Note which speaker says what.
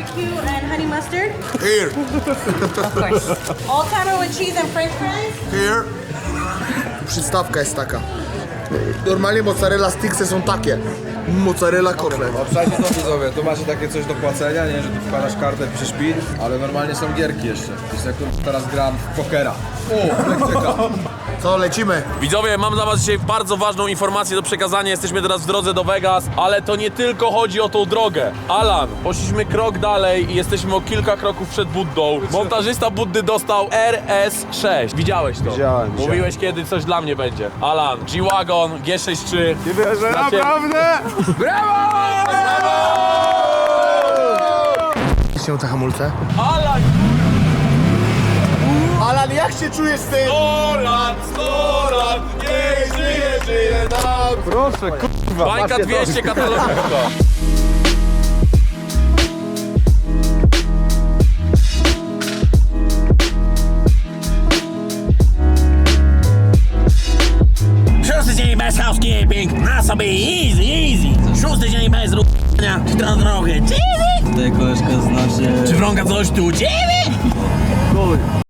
Speaker 1: barbecue and honey mustard.
Speaker 2: Here,
Speaker 1: Of course. All-timer with cheese and french fries.
Speaker 2: here. Przystawka jest taka. Normalnie mozzarella sticksy są takie. Mozzarella kotlet.
Speaker 3: Obszajcie to widzowie, tu macie takie coś do płacenia, nie, że tu wkładasz kartę, piszesz PIN, ale normalnie są gierki jeszcze. Jest jak teraz gram w pokera. O, elektryka.
Speaker 2: Co, lecimy?
Speaker 4: Widzowie, mam dla was dzisiaj bardzo ważną informację do przekazania. Jesteśmy teraz w drodze do Vegas, ale to nie tylko chodzi o tą drogę. Alan, poszliśmy krok dalej i jesteśmy o kilka kroków przed Buddą. Montażysta Buddy dostał RS6. Widziałeś to?
Speaker 3: Widziałem.
Speaker 4: Mówiłeś kiedy coś dla mnie będzie. Alan, G-Wagon, G63.
Speaker 3: Nie wierzę, naprawdę!
Speaker 2: Się te hamulce.
Speaker 4: Alan,
Speaker 2: Alan, jak się czujesz z tym?
Speaker 4: 100 lat, niech żyje nam.
Speaker 3: Proszę, kurwa.
Speaker 4: Bańka 200 katalogowa.
Speaker 5: Szósty dzień bez housekeeping, na sobie easy. Szósty dzień bez r***ania, czy to trochę dziwi?
Speaker 6: Tutaj koleżka znaczy...
Speaker 5: Czy wrąga coś tu dziwi?